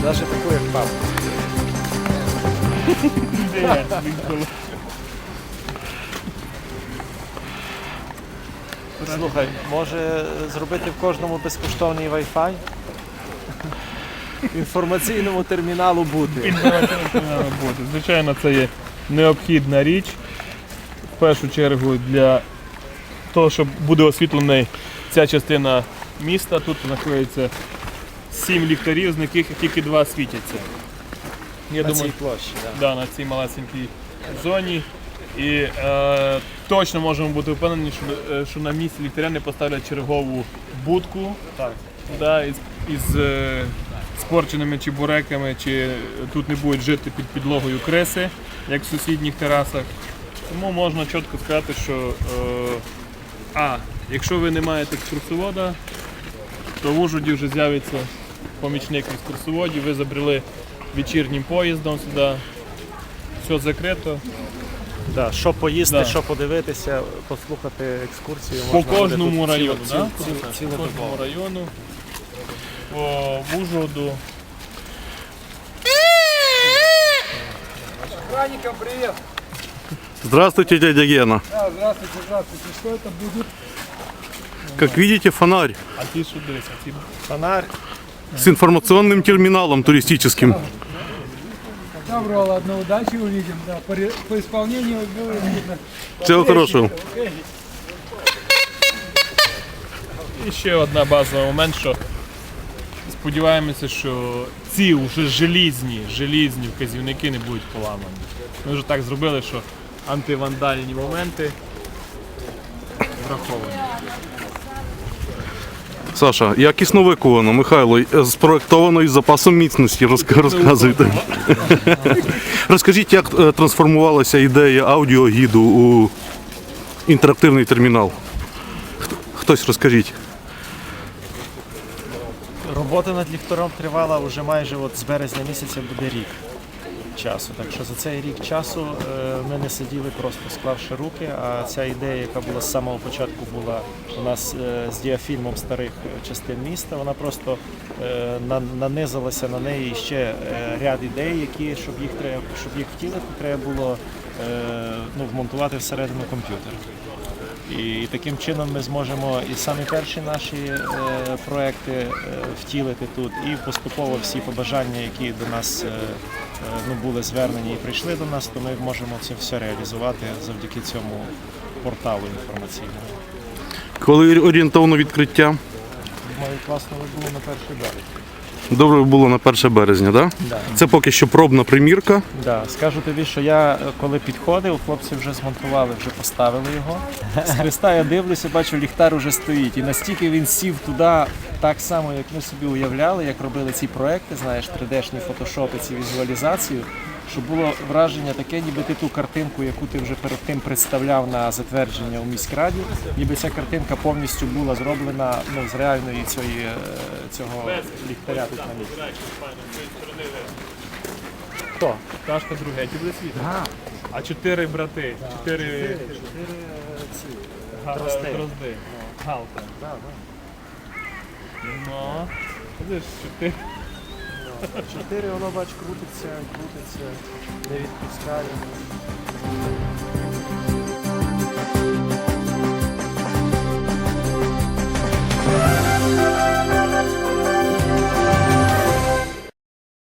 Навіть таку, як папа. Слухай, може зробити в кожному безкоштовний Wi-Fi? Інформаційному терміналу бути. Звичайно, це є необхідна річ. В першу чергу для того, щоб буде освітлена ця частина міста. Тут знаходиться 7 ліхтарів, з яких тільки 2 світяться. Я На думаю, цій площі, так. да, на цій малесенькій зоні. І точно можемо бути впевнені, що на місці ліхтаря не поставлять чергову будку із спорченими чебуреками, чи тут не будуть жити під підлогою криси, як в сусідніх терасах. Тому можна чітко сказати, що якщо ви не маєте екскурсовода, то в Ужгороді вже з'явиться помічник екскурсоводів, ви забрели вечірнім поїздом сюди, все закрито. Да, що поїсти, Да. що подивитися, послухати екскурсію. По можна буде кожному тут району, по цілодобово. кожному району, по Ужгороду. Охранникам привет! Здравствуйте, дядя Гена. Да, здравствуйте, здравствуйте. Что это будет? Как видите, фонарь А ті що дивися, ті Фонарь. с информационным терминалом туристическим. Доброго, ладно, удачи увидим. Да, по исполнению было видно. Всего хорошего. І ще одна базовий момент, що сподіваємося, що ці вже желізні вказівники не будуть поламані. Ми вже так зробили, що антивандальні моменти враховані. Саша, якісно виконано, Михайло, спроектовано із запасом міцності. Розказуйте. Розкажіть, як трансформувалася ідея аудіогіду у інтерактивний термінал? Хтось розкажіть. Робота над ліхтарем тривала вже майже з березня місяця буде рік часу. Так що за цей рік часу ми не сиділи просто склавши руки, а ця ідея, яка була з самого початку була у нас з діафільмом старих частин міста, вона просто нанизалася на неї ще ряд ідей, які, щоб їх втілити, треба було вмонтувати всередину комп'ютера. І таким чином ми зможемо і самі перші наші проекти втілити тут, і поступово всі побажання, які до нас були звернені і прийшли до нас, то ми можемо це все реалізувати завдяки цьому порталу інформаційному. Коли орієнтовно відкриття? Думаю, класно би було на 1 березня. Добре було на 1 березня, так? Да. Це поки що пробна примірка. Да. Скажу тобі, що я коли підходив, хлопці вже змонтували, вже поставили його. З хреста я дивлюся, бачу, ліхтар уже стоїть. І настільки він сів туди, так само, як ми собі уявляли, як робили ці проекти, знаєш, 3D-шні фотошопи, ці візуалізацію, що було враження таке, ніби ти ту картинку, яку ти вже перед тим представляв на затвердження у міськраді, ніби ця картинка повністю була зроблена з реальної цього ліхтаря тут на місці. Хто? Пташка друге, ті буде світло. А 4 брати, 4 дрозди. Галка. Ну, видиш, 4. 4, воно, бач, крутиться, не відпускає.